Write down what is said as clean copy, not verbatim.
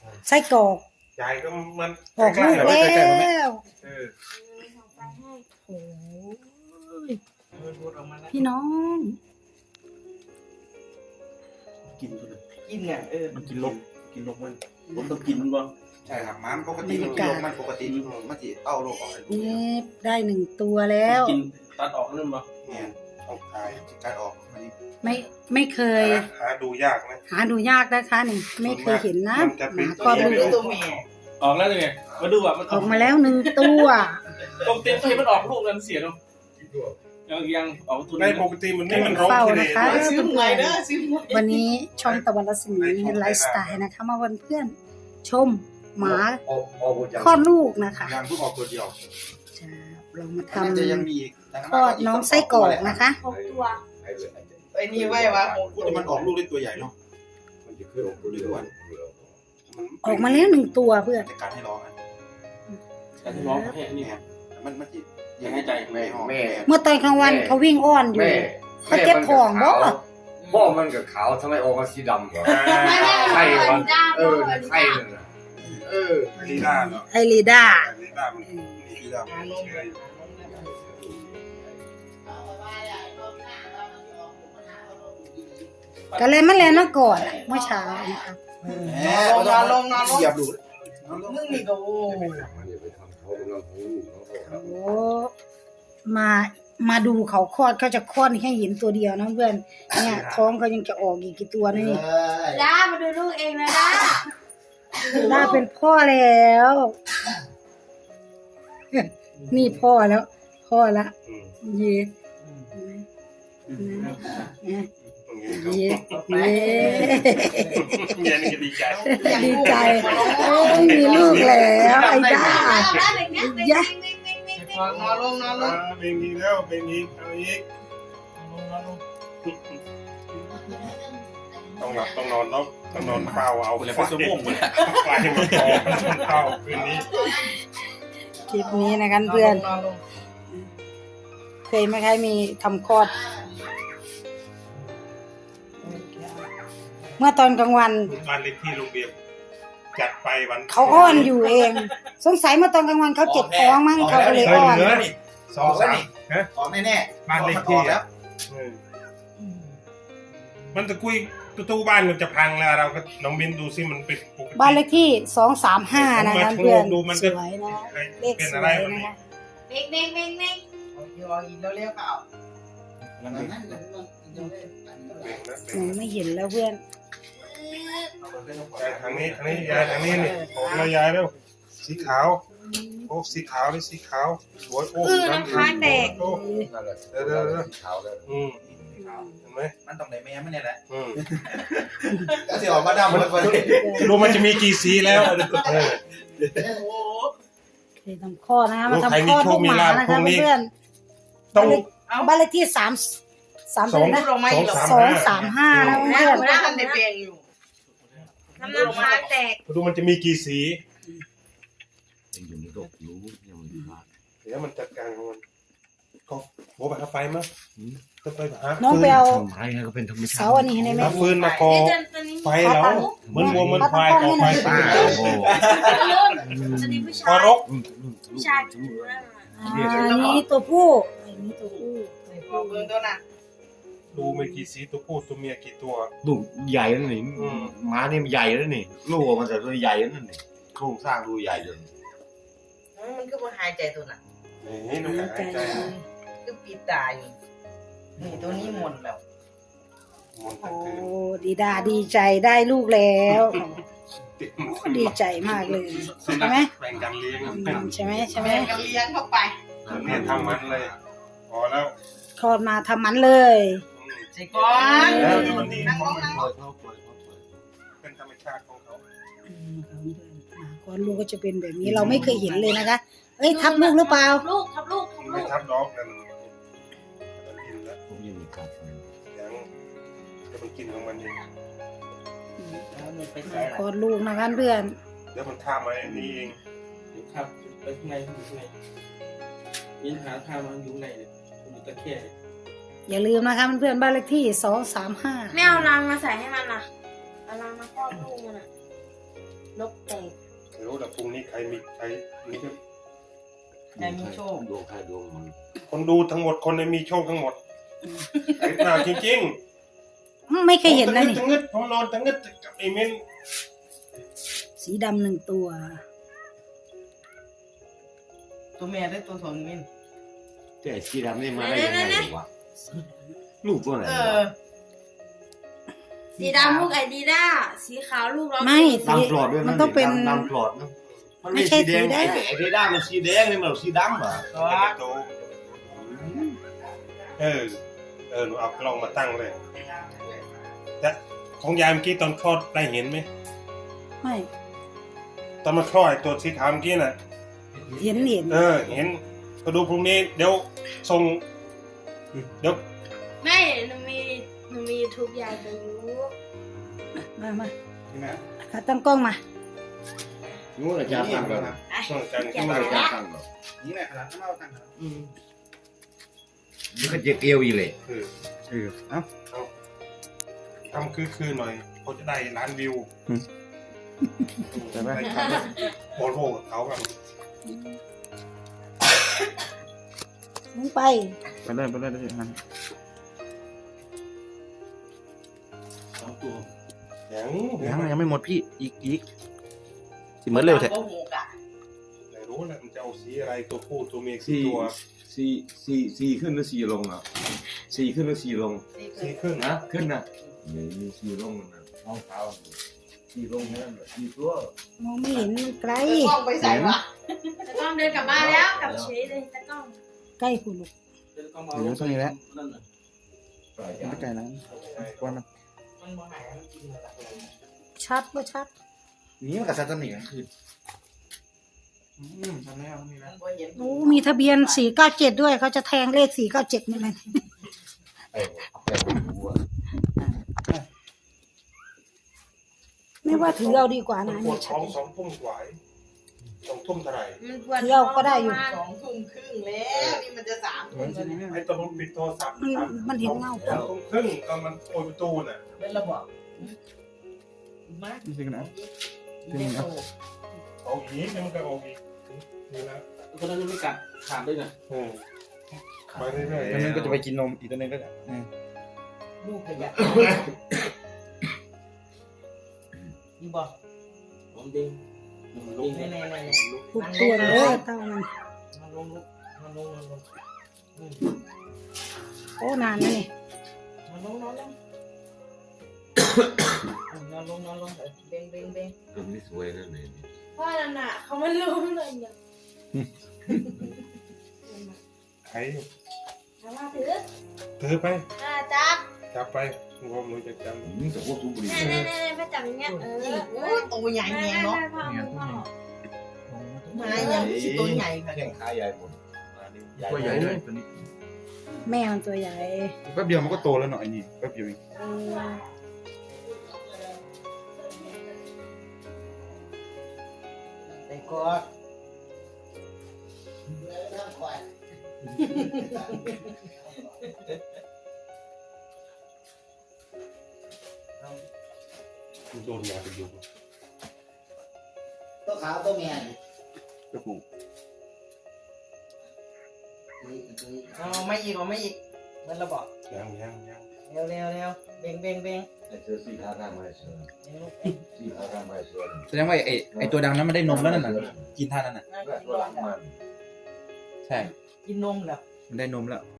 ไส้กรอกยายก็มันออกลูกแล้วโอ้ยพี่น้องกินเลยกินไงมันกินลกมันผมต้องกินมันบ่ใช่ครับมันปกติมันปกติมันจะเต้าโรคออกนี่ได้1 ตัวแล้วกินตัดออกนั่นบ่เนี่ยเอาคายการออกไม่เคยหาดูยากนะหาดูยากนะคะนี่ไม่เคยเห็นนะมันจะหเป็นมาคลอดลูกตัวเมียออกแล้วไงมาดูอ่ะมันออกมาแล้ว1 ตัวตรงเต็มที่มันออกลูกแล้วมันเสียเนาะยังออกตัวในนี้ปกติมันนี่มันร้องเฝ้าทีเดีนะยวคะซื้อหวยเด้อซื้อหวยวันนี้ช่องตะวันรัศมีไลฟ์สไตล์นะคะมาวันเพื่อนชมหมาคลอดลูกนะคะยังเพิ่งออกตัวเดียวจะเรามาทจะยังมีอีกำคลอดน้องไส้กรอกนะคะ 6 ตัวไอ้นี่ไว้วะแต่มันออกลูกได้ตัวใหญ่เนาะมันจะเคยออกตัวเดียวออกมาแล้ว1 ตัวเพื่อนจัดการให้ร้องอ่ะแต่ที่ร้องให้อันนี้มันจิยังให้ใจแม่แม่เมื่อตอนกลางวันเขาวิ่งอ้อนอยู่เขาเจ็บท้องบ่พ่อมันกับขาวทำไมออกมาสีดำวะไข่มันไข่นั่นน่ะลีน่าเนาะไอรีด้าลีน่ามันลีน่ามันเชื่ออยู่ก็เลยมาแล้วก่อนเมื่อเช้านะคะลงเหยียบดูมึงนี่ก็โอ้โอ้มาดูเขาคลอดเขาจะคลอดให้เห็นตัวเดียวนะเพื่อนเนี่ยท้องเขายังจะออกอีกกี่ตัวนี่ด้ามาดูลูกเองนะด้าด้าเป็นพ่อแล้วนี่พ่อแล้วพ่อละเย่เย่เย่เย็นก็ดีใจดีใจมีลูกแล้วไอ้ด้าย่านอนลงเป็นนี้แล้วเป็นนี้เอาอีกต้องหลับต้องนอนเนาะต้องนอนเฝ้าเอาไฟมันออกเฝ้าคืนนี้คลิปนี้นะครับเพื่อนเคยไหมใครมีทำคลอดเมื่อตอนกลางวันบ้านเล็กที่โรงเรียนจัดไปวันเขาอ้อนอยู่เอง สงสัยเมื่อตอนกลางวันเขาเจ็บท้องมั้งเขาก็เลยอ้อน 2-3ฮะออกแน่บ้านเล็กที่แล้วมันจะคุยประตูบ้านมันจะพังแล้วเราก็น้องบินดูซิมันเป็นปกติบ้านเลขที่235นะคะเพื่อนดูมันสจะวยนะเลขเป็นสอะวไรยมันนะคะเน่งอยู่อีกแล้วเรียกเปล่าไม่เห็นแล้วเพื่อนยายทางนี้ยายทางนี้นี่ผมเรายายแล้วสีขาวโอ้สีขาวนี่สีขาวสวยโอ้น้ำค้างแดงเด้อเห็นไหมมันต้องได้แม่มันเนี่ยแหละอืมก็สิออกมาดำมันไปรู้มันจะมีกี่สีแล้วเคยทำคลอดนะคะมาทำคลอดลูกหมานะคะเพื่อนต้องบ้านเลขที่235นะเพื่อนไม่ได้ทำในเปลี่ยนอยู่น้ำค้างแตกดูมันจะมีกี่สียังอยู่ในโลกรู้ยังไม่พลาดเดี๋ยวมันจัดการของมันก็โบไปหาไฟมั้ยก็ไปหาน้องไปเอาทำไมก็เป็นธรรมชาติเสาอันนี้ให้ได้ไหมหาฟืนมาก่อไฟแล้วเหมือนวัวเหมือนควายก่อไฟป้าโอ้จะดีผู้ชาพอย รกผู้ชายถือนั่นอันนี้ตัวผู้อันนี้ตัวผู้พอเบิ่งตัวน่ะดูมีกี่สีตัวผู้ตัวเมียกี่ตัวลูกใหญ่แล้วนี่ม้านี่มันใหญ่แล้วนี่ลูกมันจะตัวใหญ่แล้วนี่โครงสร้างดูใหญ่จนมันก็มาหายใจตัวน่ะนี่ดูหายใจก็ปิดตาอยู่นี่ตัวนี้หมดแล้วมันโอ้คือดีดาดีใจได้ลูกแล้วดีใจมากเลยใช่ไหมแบ่งกันเลี้ยงใช่ไหมใช่ไหมแม่ก็เลี้ยงเข้าไปเนี่ยทำมันเลยพอแล้วคลอดมาทำมันเลยใส่ก่อนมันดีนั่งลงเป็นธรรมชาติของเขาคลอดลูกก็จะเป็นแบบนี้เราไม่เคยเห็นเลยนะคะเอ้ยทับลูกหรือเปล่าลูกทับลูกไม่ทับดอกนั่นมันกินแล้วผมยังมีการยังจะมันกินของมันเองคลอดลูกนะคะเพื่อนเดี๋ยวมันท่ามาอันนี้เองครับไปข้างในอยู่ข้างในยินหาทางมันอยู่ในเนี่ยอยู่ตะแคร่อย่าลืมนะคะเพื่อนบ้านเลขที่235 ไม่เอารังมาใส่ให้มันนะเอารังมาครอบลูกมันอ่ะนกแตกไม่รู้แต่พรุ่งนี้ใครมีใครมีใครมีโชคดวงใครดวงมันคนดูทั้งหมดคนมีโชคทั้งหมดไอ้หน้าจริงไม่ๆเคยเห็นนะนี่ทั้งงึดผมนอนทั้งงึดกับไอ้เม้นสีดำ1 ตัวตัวแม่ได้ตัวสองมินแต่ไอ้สีดำนี่มาได้ยังไงวะลูกตัวไหนเอวะอสีดำลูกไอดีด้าสีขาวลูกเราไม่ดำปลอดด้วยมันะนต้องเป็นดำปลอดนะมันไม่ไม่ใช่สีแดงสีแดงไอ้ด้ามันสีแดงนี่มันสีดำอ่ะโตเออหนูเอากล้องมาตั้งเลยแต่ของยายเมื่อกี้ตอนคลอดได้เห็นไหมไม่ตอนมาคลอดไอ้ตัวสีขาวเมื่อกี้น่ะเห็นเห็นก็ดูพรุ่งนี้เดี๋ยวส่งเดี๋ยวไม่หนูมียูทูบยายไปยูมานี่นะขาตั้งกล้องมานู้นอาจารย์ตั้งก่อนส่งกันนู้ขึ้นนมาอาจารย์ตั้งก่อนนี่แหละขนาดข้าวตั้งครับมันก็จะเกลียวอีเลยคือทำคือหน่อยเขาจะได้ล้านวิวใช่ไหมโบโลกับเขาแบบมึงไปไปเลยได้ฮะ 2 ตัวยังไม่หมดพี่อีกสิเหมือนเร็วแท้ก็หูกะไม่รู้แหละมันจะเอาสีอะไรตัวผู้ตัวเมียสี่ตัวสี่ขึ้นหรือ4ลงอ่ะ4ขึ้นหรือ4ลงสีครึ่งนะขึ้นนะมี4ลงนะท้องเท้า4ลงแค่นั้น4ตัวมองไม่เห็นมันไกลกล้องไปใส่วะตะกล้องเดินกลับบ้านแล้วกลับเฉยเลยตะกล้องใกล้คุณลูกเดี๋ยวก็มาลงตัวนี้แล้วนั่นน่ะไม่ไกลนะว่ามันมันบ่หายมันกินเลยล่ะชัดบ่ชัดนี่มันกับซัตนี่นะคือทำแล้วนี่มันะนบ่เห็นโอ้มีทะเบียน497ด้วยเขาจะแทงเลข497นี่มัน ไม่ว่าถือเอาดีกว่านะปวดท้อง2 ทุ่มกว่า2 ทุ่มเท่าไหร่มันปวดเที่ยวก็ได้อยู่ 2 ทุ่มครึ่งแล้วนี่มันจะ3 ทุ่มแล้วเนี่ยไอ้ตัวมันปิดโทรศัพท์มันเห็นเงา 2 ทุ่มครึ่งก็มันโอยประตูน่ะเป็นระบบมานี่สิกันนะเล่นโตเอาอีกมันก็เอาอีกนี่นะตัวนั้นไม่กัดขาดด้วยนะไปเรื่อยตัวนึงก็จะไปกินนมอีกตัวนึงก็จะลูกขยะนี่บอกผมดิงๆแน่ๆทุกตัวเลยเต้ามันมันลงมันลงโอ้นานนะนี่มันลงนอนลงเบ่งตัวนี้สวยนั่นเองเพราะนั่นน่ะเขาไม่รู้เลยเนี่ยใครถามว่าถือถือไปจับจับไปงมหนูจะจำนี่แต่ว่าสูบบุหรี่แน่ๆไปจับอย่างเงี้ยโอ้ตัวใหญ่แหงเนาะมาอย่างสิตัวใหญ่ค่ะแข้งขาใหญ่หมดตัวใหญ่เลยตัวนี้แม่มันตัวใหญ่แป๊บเดียวมันก็โตแล้วเนาะไอ้นี่แป๊บเดียวเองแต่ก็โดนยาไปอยู่ตัวขาวตัวเมียก็ผูกไม่อีกมันระบอกยังเร็วเบ่งไอ้เสือสีขาวข้างไม้เสือสีขาวข้างไม้เสือแสดงว่าไอ้ตัวดำนั้นมันได้นมแล้วนั่นน่ะกินท่านั้นน่ะตัวหลังมันใช่กินนมแล้วมันได้นมแล้ว